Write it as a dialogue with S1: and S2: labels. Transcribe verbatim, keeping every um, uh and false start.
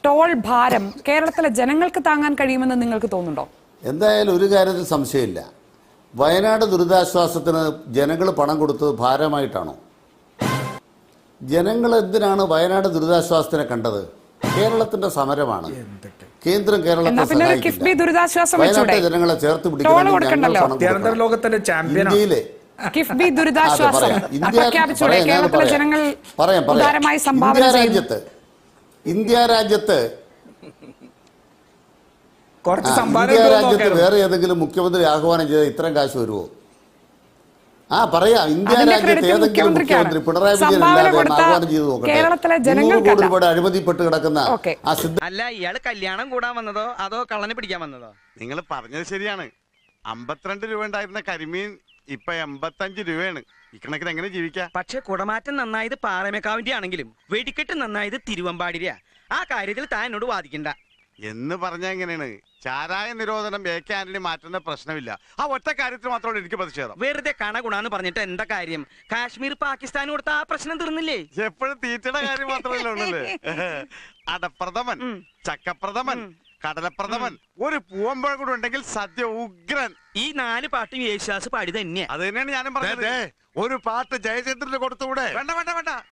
S1: Toll ഭാരം കേരളത്തിലെ ജനങ്ങൾക്ക് താങ്ങാൻ കഴിയുമെന്ന് നിങ്ങൾക്ക് തോന്നുന്നുണ്ടോ?
S2: എന്തായാലും ഒരു കാര്യത്തിൽ സംശയമില്ല. വയനാട് ദുരിതാശ്വാസത്തിന് ജനങ്ങൾ പണം കൊടുത്തത് ഭാരമായിട്ടാണോ? ജനങ്ങൾ എന്തിനാണ് വയനാട് ദുരിതാശ്വാസത്തിനെ കണ്ടത്? കേരളത്തിന്റെ സമരമാണ്. കേന്ദ്രം കേരളത്തെ സഹായിക്കില്ല. വയനാട്ടിലെ ജനങ്ങളെ ചേർത്ത് പിടിക്കുന്നത് ഇന്ത്യയിലെ പറയാം പറയാം ഇന്ത്യ രാജ്യത്ത് ഇന്ത്യ രാജ്യത്ത് ഇന്ത്യ രാജ്യത്ത് വേറെ ഏതെങ്കിലും മുഖ്യമന്ത്രി ആഹ്വാനം ചെയ്ത ഇത്രയും കാശ് വരുമോ? ആ പറയാം, ഇന്ത്യ രാജ്യത്ത് ഏതെങ്കിലും മുഖ്യമന്ത്രി പിണറായി വിജയൻ ആഹ്വാനം ചെയ്ത് നോക്കട്ടെ. നൂറ് കോടി രൂപയുടെ അഴിമതിപ്പെട്ട് കിടക്കുന്ന ആ സിദ്ധ
S3: അല്ല, ഇയാള് കല്യാണം കൂടാൻ വന്നതോ അതോ കള്ളനെ പിടിക്കാൻ വന്നതോ?
S4: നിങ്ങൾ പറഞ്ഞത് ശരിയാണ്. അമ്പത്തിരണ്ട് രൂപ ഉണ്ടായിരുന്ന കരിമീൻ ഇപ്പൊ എൺപത്തഞ്ച് രൂപയാണ്. ഇക്കണക്കിന് എങ്ങനെ ജീവിക്കാം?
S3: പക്ഷെ കുടമാറ്റം നന്നായത് പാറമേക്കാവിന്റെ ആണെങ്കിലും വെടിക്കെട്ട് നന്നായത് തിരുവമ്പാടിരിയാ. ആ കാര്യത്തിൽ താൻ എന്നോട് വാദിക്കണ്ട
S4: എന്ന് പറഞ്ഞ എങ്ങനെയാണ്? ചാരായ നിരോധനം എ കെ ആന്റണി മാറ്റുന്ന പ്രശ്നമില്ല. ആ ഒറ്റ കാര്യത്തിൽ മാത്രമേ എനിക്ക് പ്രതിഷേധം.
S3: വെറുതെ കണ ഗുണാന്ന് പറഞ്ഞിട്ട് എന്താ കാര്യം? കാശ്മീർ പാകിസ്ഥാൻ കൊടുത്ത ആ പ്രശ്നം തീർന്നില്ലേ?
S4: എപ്പോഴും തീറ്റയുടെ കാര്യം മാത്രമല്ല ഉള്ളല്ലേ. അടപ്രഥമൻ, ചക്കപ്രഥമൻ, കടലപ്രഥമൻ, ഒരു പൂവമ്പഴം കൂടെ ഉണ്ടെങ്കിൽ സദ്യ ഉഗ്രൻ.
S3: ഈ നാല് പാട്ടും യേശുദാസ് പാടി തന്നെയാ.
S4: അത് തന്നെയാണ് ഞാനും പറഞ്ഞത്. ഒരു പാട്ട് ജയചന്ദ്രന് കൊടുത്തുകൂടെ? വേണ്ട വേണ്ട വേണ്ട